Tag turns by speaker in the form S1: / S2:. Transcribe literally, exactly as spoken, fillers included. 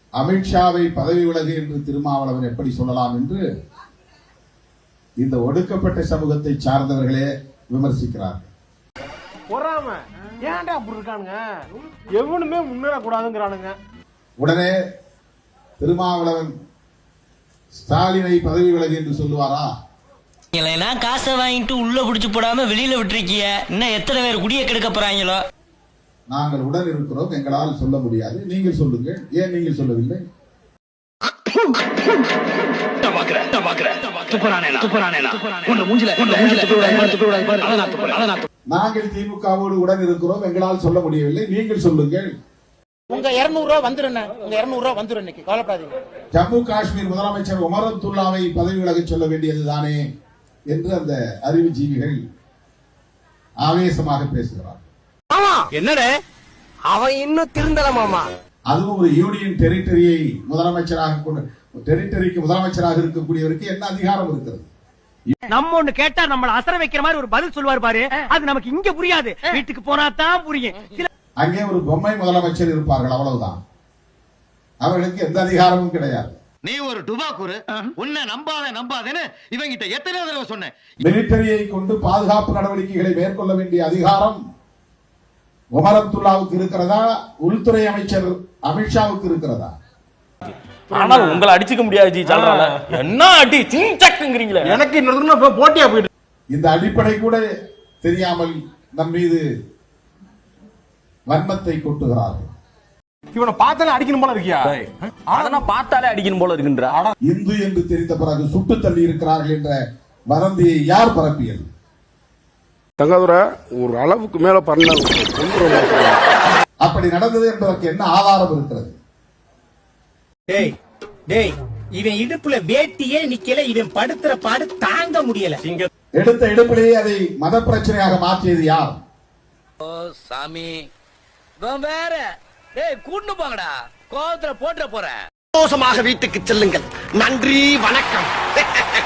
S1: அமித்ஷாவை பதவி விலகு என்று திருமாவளவன் எப்படி சொல்லலாம் என்று இந்த ஒடுக்கப்பட்ட சமூகத்தை சார்ந்தவர்களே விமர்சிக்கிறார்கள்.
S2: பொறாம ஏன்டா அப்படி இருக்கானுங்க, எவனுமே முன்னேறக்கூடாதுங்கிறானுங்க.
S1: உடனே திருமாவளவன் ஸ்டாலினை பதவி விலகு என்று சொல்லுவாரா?
S3: காசை வாங்கிட்டு உள்ள புடிச்சு போடாம வெளியில விட்டுருக்கிய, இன்னும் எத்தனை பேர் குடிய கெடுக்க போறாங்களோ.
S1: நாங்கள் உடன் இருக்கிறோம், எங்களால் சொல்ல முடியாது, நீங்கள் சொல்லுங்கள். ஏன் நீங்கள் சொல்லவில்லை? நாங்கள் திமுகவோடு உடன் இருக்கிறோம், எங்களால் சொல்ல முடியவில்லை, நீங்கள் சொல்லுங்கள்.
S4: உங்க இருநூறு ரூபாய் வந்துரும், உங்க இருநூறு ரூபாய் வந்துரும், இன்னைக்கு கவலைப்படாதீங்க.
S1: ஜம்மு காஷ்மீர் முதலமைச்சர் உமர் அப்துல்லாவை பதவி விலகச் சொல்ல வேண்டியதுதானே என்று அந்த அறிவுஜீவிகள் ஆவேசமாக பேசுகிறார்.
S2: என்னடே அவன் இன்னும் திருந்தல மாமா.
S1: அதுவும் ஒரு யூனியன் டெரிட்டரியை முதலமைச்சராக கொண்டு, டெரிட்டரிக்கு முதலமைச்சராக இருக்கக்கூடியவருக்கு என்ன அதிகாரம் இருக்கிறது?
S5: நம்ம ஒண்ணு கேட்டா நம்மள அசர வைக்கிற மாதிரி ஒரு பதில் சொல்வார் பாரு, அது நமக்கு இங்க புரியாது, வீட்டுக்கு போனா தான் புரியும்.
S1: அங்கே ஒரு பொம்மை முதலமைச்சர் இருப்பார்கள், அவ்வளவுதான். அவர்களுக்கு எந்த அதிகாரமும் கிடையாது.
S6: நீ ஒரு டுபாக்கூரு, உன்னை நம்பாத நம்பாதேன்னு இவங்கிட்ட எத்தனை தடவை சொன்னேன்.
S1: மிலிட்டரியை கொண்டு பாதுகாப்பு நடவடிக்கைகளை மேற்கொள்ள வேண்டிய அதிகாரம் உமர் அப்துல்லாவுக்கு இருக்கிறதா, உள்துறை அமைச்சர் அமித்ஷாவுக்கு இருக்கிறதா?
S7: ஆனால் உங்களை அடிச்சுக்க முடியாது ஜி. சொல்றாங்க என்ன அடி சிங்சக்குங்கறீங்களே,
S2: எனக்கு இன்னொரு போட்டியா போயிடு.
S1: இந்த அடிப்படை கூட தெரியாமல் நம் மீது வன்மத்தை கொட்டுகிறார்கள்.
S2: இவனை பார்த்தாலே அடிக்கணும் போல இருக்கியா?
S7: அதெல்லாம் பார்த்தாலே அடிக்கணும் போல இருக்குன்றா.
S1: இந்து என்று தெரிந்த பிறகு சுட்டு தள்ளி இருக்கிறார்கள் என்ற வதந்தியை யார் பரப்பியது?
S8: தங்கதுரை ஒரு அளவுக்கு மேல பண்ண
S1: அப்படி நடந்தது என்பதற்கு என்ன ஆதாரம் இருக்கிறது?
S4: டேய் டேய், இவன் இடுப்புல வேட்டியே நிக்கல, இவன் படுத்துற பாடு தாங்க முடியல.
S1: எடுத்த இடுப்பிலேயே அதை மத பிரச்சனையாக மாற்றியது யார்?
S3: ஓ சாமி, வேற டேய் கூண்டு போங்கடா, கோவத்துல போட்டுற போறேன்.
S4: சந்தோஷமாக வீட்டுக்கு செல்லுங்கள். நன்றி, வணக்கம்.